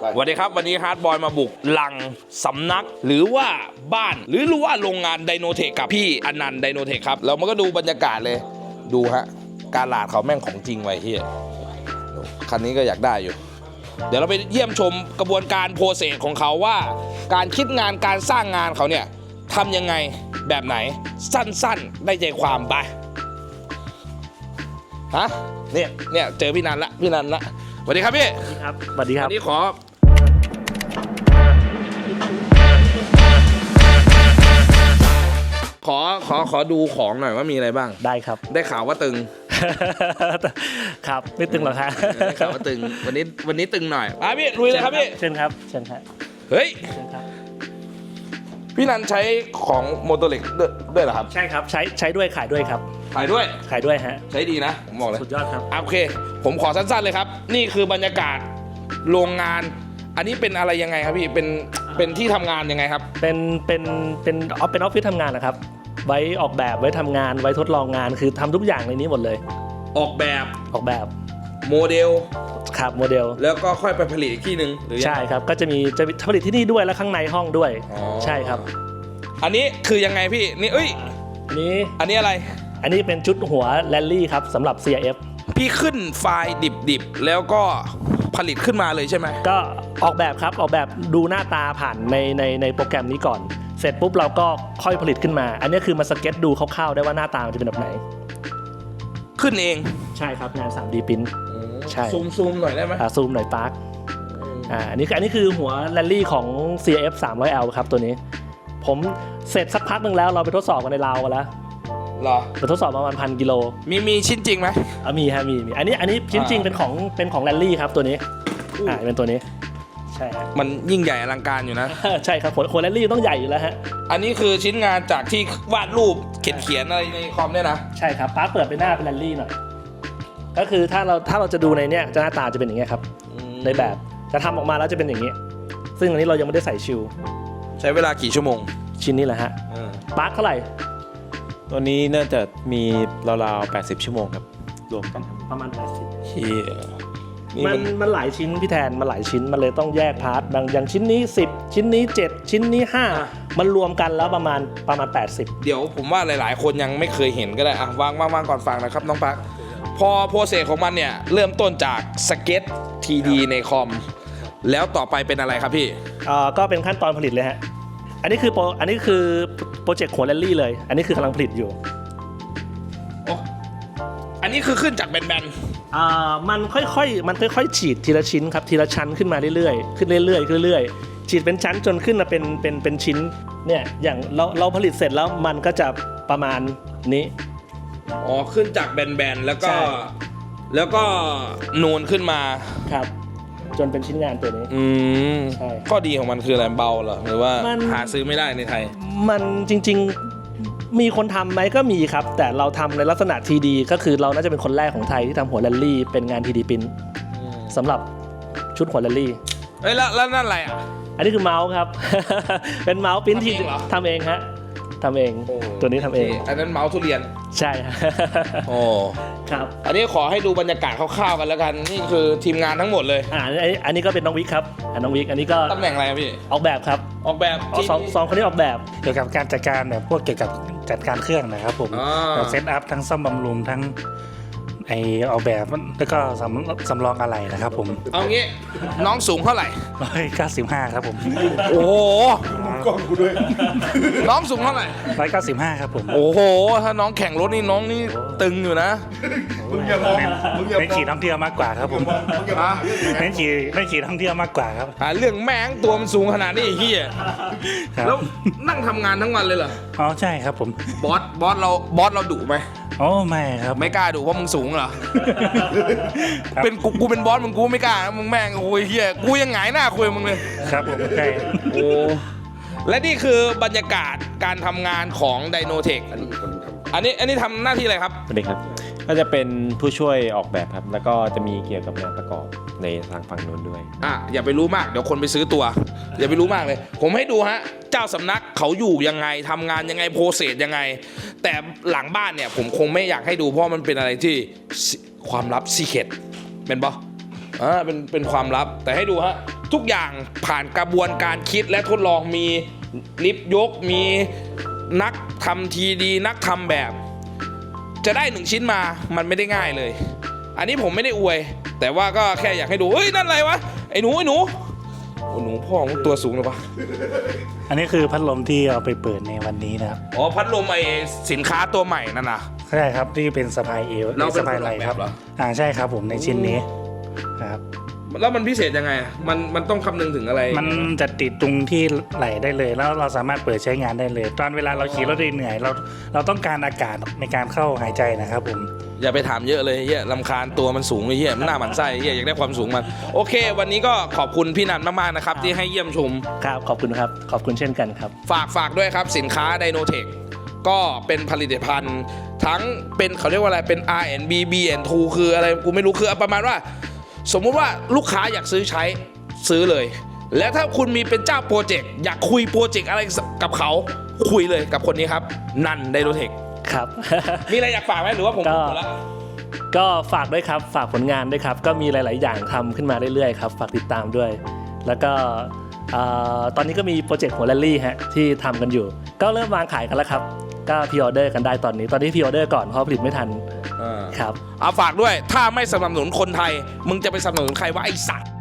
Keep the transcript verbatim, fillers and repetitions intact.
สวัสดีครับวันนี้ฮาร์ดบอยมาบุกหลังสำนักหรือว่าบ้านหรือรู้ว่าโรงงานไดโนเทคกับพี่อนันต์ไดโนเทคครับเรามันก็ดูบรรยากาศเลยดูฮะการหลาดเขาแม่งของจริงไว้เฮียคันนี้ก็อยากได้อยู่เดี๋ยวเราไปเยี่ยมชมกระบวนการโปรเซสของเขาว่าการคิดงานการสร้างงานเขาเนี่ยทำยังไงแบบไหนสั้นๆได้ใจความไปฮะเนี่ยเนี่ยเจอพี่นันละพี่นันละสวัสดีครับพี่ครับสวัสดีครับวันนี้ขอขอขอขอดูของหน่อยว่ามีอะไรบ้างได้ครับได้ข่าวว่าตึงครับไม่ตึงหรอกครับได้ข่าวว่าตึงวันนี้วันนี้ตึงหน่อยอ่ะพี่ลุยเลยครับพี่เชิญครับเชิญครับเฮ้ยเชิญครับพี่นันใช้ของโมโตเล็กด้วยเหรอครับใช่ครับใช้ใช้ด้วยขายด้วยครับขายด้วยขายด้วยฮะใช้ดีนะผมบอกเลยสุดยอดครับโอเคผมขอสั้นๆเลยครับนี่คือบรรยากาศโรงงานอันนี้เป็นอะไรยังไงครับพี่เป็นเป็นที่ทำงานยังไงครับเป็นเป็นเป็นออฟเป็นออฟฟิศทำงานนะครับไว้ออกแบบไว้ทำงานไว้ทดลองงานคือทำทุกอย่างในนี้หมดเลยออกแบบออกแบบโมเดลครับโมเดลแล้วก็ค่อยไปผลิตอีกที่หนึ่งหรือใช่ครับก็จะมีจะผลิตที่นี่ด้วยและข้างในห้องด้วยใช่ครับอันนี้คือยังไงพี่นี่เอ้ยอันนี้อันนี้อะไรอันนี้เป็นชุดหัวแรลลี่ครับสำหรับ ซี ไอ เอฟพี่ขึ้นไฟล์ดิบๆแล้วก็ผลิตขึ้นมาเลยใช่ไหมก็ออกแบบครับออกแบบดูหน้าตาผ่านในในในโปรแกรมนี้ก่อนเสร็จปุ๊บเราก็ค่อยผลิตขึ้นมาอันนี้คือมาสเก็ตดูคร่าวๆได้ว่าหน้าตามันจะเป็นแบบไหนขึ้นเองใช่ครับงาน ทรี ดี Print ใช่ซูมซูมหน่อยได้ไหมอ่าซูมหน่อยปาร์คอ่าอันนี้อันนี้คือหัวแรลลี่ของ ซี ไอ เอฟ สามร้อยแอล ครับตัวนี้ผมเสร็จสักพักนึงแล้วเราไปทดสอบกันในลาวกันแล้วหรอไปทดสอบประมาณพันกิโลมีมีชิ้นจริงไหมอ่ามีฮะมีมีอันนี้อันนี้ชิ้นจริงเป็นของเป็นของแรลลี่ครับตัวนี้อ่าเป็นตัวนี้ใช่ฮะมันยิ่งใหญ่อลังการอยู่นะใช่ครับหัวแรลลี่ต้องใหญ่อยู่แล้วฮะอันนี้คือชิ้นงานจากที่วาดรูปเขียนเขียนอะไรในคอมเนี่ยนะใช่ครับป้าเปิดไปหน้าเป็นแรลลี่หน่อยก็คือถ้าเราถ้าเราจะดูในเนี้ยจะหน้าตาจะเป็นอย่างเงี้ยครับในแบบจะทำออกมาแล้วจะเป็นอย่างนี้ซึ่งอันนี้เรายังไม่ได้ใส่ชิลใช้เวลากี่ชั่วโมงชิ้นนี้แหละฮะปาร์คเท่าไหร่ตัวนี้น่าจะมีราวๆแปดสิบชั่วโมงครับรวมกันประมาณแปดสิบเฮียมันมันหลายชิ้นพี่แทนมันหลายชิ้นมันเลยต้องแยกพาร์ทบางอย่างชิ้นนี้สิบชิ้นนี้เจ็ดชิ้นนี้ห้ามันรวมกันแล้วประมาณประมาณแปดสิบเดี๋ยวผมว่าหลายๆคนยังไม่เคยเห็นก็ได้อ่ะวางวางวางก่อนฟังนะครับน้องปักพอโปรเซสของมันเนี่ยเริ่มต้นจากสเก็ต ที ดี ในคอมแล้วต่อไปเป็นอะไรครับพี่อ่าก็เป็นขั้นตอนผลิตเลยฮะอันนี้คือโปรอันนี้คือโปรเจกต์หัวแรลลี่เลยอันนี้คือกำลังผลิตอยู่โอ้อันนี้คือขึ้นจากแบนๆอ่ามันค่อยๆมันค่อยๆฉีดทีละชิ้นครับทีละชั้นขึ้นมาเรื่อยๆขึ้นเรื่อยๆเรื่อยๆฉีดเป็นชั้นจนขึ้นมาเป็นเป็นเป็นชิ้นเนี่ยอย่างเราเราผลิตเสร็จแล้วมันก็จะประมาณนี้อ๋อขึ้นจากแบนๆแล้วก็แล้วก็นูนขึ้นมาครับจนเป็นชิ้นงานตัวนี้อืมใช่ข้อดีของมันคืออะไรเบาเหรอหรือว่าหาซื้อไม่ได้ในไทยมันจริงๆมีคนทำไหมก็มีครับแต่เราทำในลักษณะ ที ดี ก็คือเราน่าจะเป็นคนแรกของไทยที่ทำหัวแรลลี่เป็นงาน ที ดี Print สำหรับชุดหัวแรลลี่เฮ้ยแล้วแล้วนั่นอะไรอ่ะอันนี้คือเมาส์ครับ เป็นเมาส์ปริ้นที่ทำเองฮะทำเองตัวนี้ทำเองอันนั้นเมาส์ทุเรียนใช่โอ้ครับอันนี้ขอให้ดูบรรยากาศคร่าวๆกันแล้วกันนี่คือทีมงานทั้งหมดเลยอ่าอันนี้ก็เป็นน้องวิกครับน้องวิกอันนี้ก็ตำแหน่งอะไรพี่ออกแบบครับออกแบบสองสองคนนี้ออกแบบเกี่ยวกับการจัดการแบบพวกเกี่ยวกับจัดการเครื่องนะครับผมเซตอัพทั้งซ่อมบำรุงทั้งไอออกแบบแล้วก็สำสำรองอะไรนะครับผมเอางี้น้องสูงเท่าไหร่ร้อยเก้าสิบห้าครับผมโอ้โหกล้องกูด้วยน้องสูงเท่าไหร่ร้อยเก้าสิบห้าครับผมโอ้โหถ้าน้องแข่งรถนี่น้องนี่ตึงอยู่นะมึงอย่ามองมึงอย่ามองไม่ขี่ท่องเที่ยวมากกว่าครับผมไม่ขี่ไม่ขี่ท่องเที่ยวมากกว่าครับเรื่องแม่งตัวมันสูงขนาดนี้ไอ้เหี้ยแล้วนั่งทำงานทั้งวันเลยเหรออ๋อใช่ครับผมบอสบอสเราบอสเราดุไหมโอ้ไม่ครับไม่กล้าดุเพราะมึงสูงเหรอเป็นกูกูเป็นบอสมึงกูไม่กล้ามึงแม่งโอ้ยเฮียกูยังหงายหน้าคุยมึงเลยครับผมใช่โอ้และนี่คือบรรยากาศการทำงานของไดโนเทคอันนี้อันนี้ทำหน้าที่อะไรครับสวัสดีครับก็จะเป็นผู้ช่วยออกแบบครับแล้วก็จะมีเกี่ยวกับงานประกอบในทางฝั่งนู้นด้วยอ่ะอย่าไปรู้มากเดี๋ยวคนไปซื้อตัวอย่าไปรู้มากเลยผมให้ดูฮะเจ้าสำนักเขาอยู่ยังไงทำงานยังไงโปรเซสยังไงแต่หลังบ้านเนี่ยผมคงไม่อยากให้ดูเพราะมันเป็นอะไรที่ความลับซีเคร็ตเป็นปะอ่าเป็นเป็นความลับแต่ให้ดูฮะทุกอย่างผ่านกระบวนการคิดและทดลองมีลิฟต์ยกมีนักทำทีดีนักทำแบบ จะได้หนึ่งชิ้นมามันไม่ได้ง่ายเลย อันนี้ผมไม่ได้อวย แต่ว่าก็แค่อยากให้ดูเฮ้ยนั่นอะไรวะไอ้หนูไอ้หนูโอ้หนูพ่อของตัวสูงหรือปะอันนี้คือพัดลมที่เอาไปเปิดในวันนี้นะครับอ๋อพัดลมไอ้สินค้าตัวใหม่นั่นนะใช่ครับที่เป็นสะพายเอวเราเป็นสะพายไหล่ครับคนออกแบบเหรออ่าใช่ครับผมในชิ้นนี้ครับแล้วมันพิเศษยังไงอะมันมันต้องคำนึงถึงอะไรมันจะติดตรงที่ไหล่ได้เลย แล้วเราสามารถเปิดใช้งานได้เลย ตอนเวลาเราขี่รถเหนื่อยเราเราต้องการอากาศในการเข้าหายใจนะครับผมอย่าไปถามเยอะเลยเฮียลำคาญตัวมันสูงเลยเฮียมันหน้าหมันไส้เฮียอยากได้ความสูงมันโอเค วันนี้ก็ขอบคุณพี่นันมากๆนะครับที่ให้เยี่ยมชมครับขอบคุณครับขอบคุณเช่นกันครับฝากฝากด้วยครับสินค้า Dynotech ก็เป็นผลิตภัณฑ์ทั้งเป็นเขาเรียกว่าอะไรเป็น อาร์ แอนด์ บี บี แอนด์ ทู คืออะไรกูไม่รู้คือประมาณว่า สมมุติว่าลูกค้าอยากซื้อใช้ซื้อเลย แล้วถ้าคุณมีเป็นเจ้าโปรเจกต์อยากคุยโปรเจกต์อะไรกับเขาคุยเลยกับคนนี้ครับนัน Dynotech ครับมีอะไรอยากฝากไหมหรือว่าผมก็หมดแล้วก็ฝากด้วยครับฝากผลงานด้วยครับก็มีหลาย ๆ อย่างทำขึ้นมาเรื่อย ๆ ครับฝากติดตามด้วย แล้วก็เอ่อตอนนี้ก็มีโปรเจกต์หัวแรลลี่ฮะที่ทำกันอยู่ ก็เริ่มวางขายกันแล้วครับก็พรีออเดอร์กันได้ตอนนี้ตอนนี้พรีออเดอร์ก่อนเพราะผลิตไม่ทันครับเอาฝากด้วยถ้าไม่สนับสนุนคนไทย มึงจะไปสนับสนุนใครวะไอ้สัตว์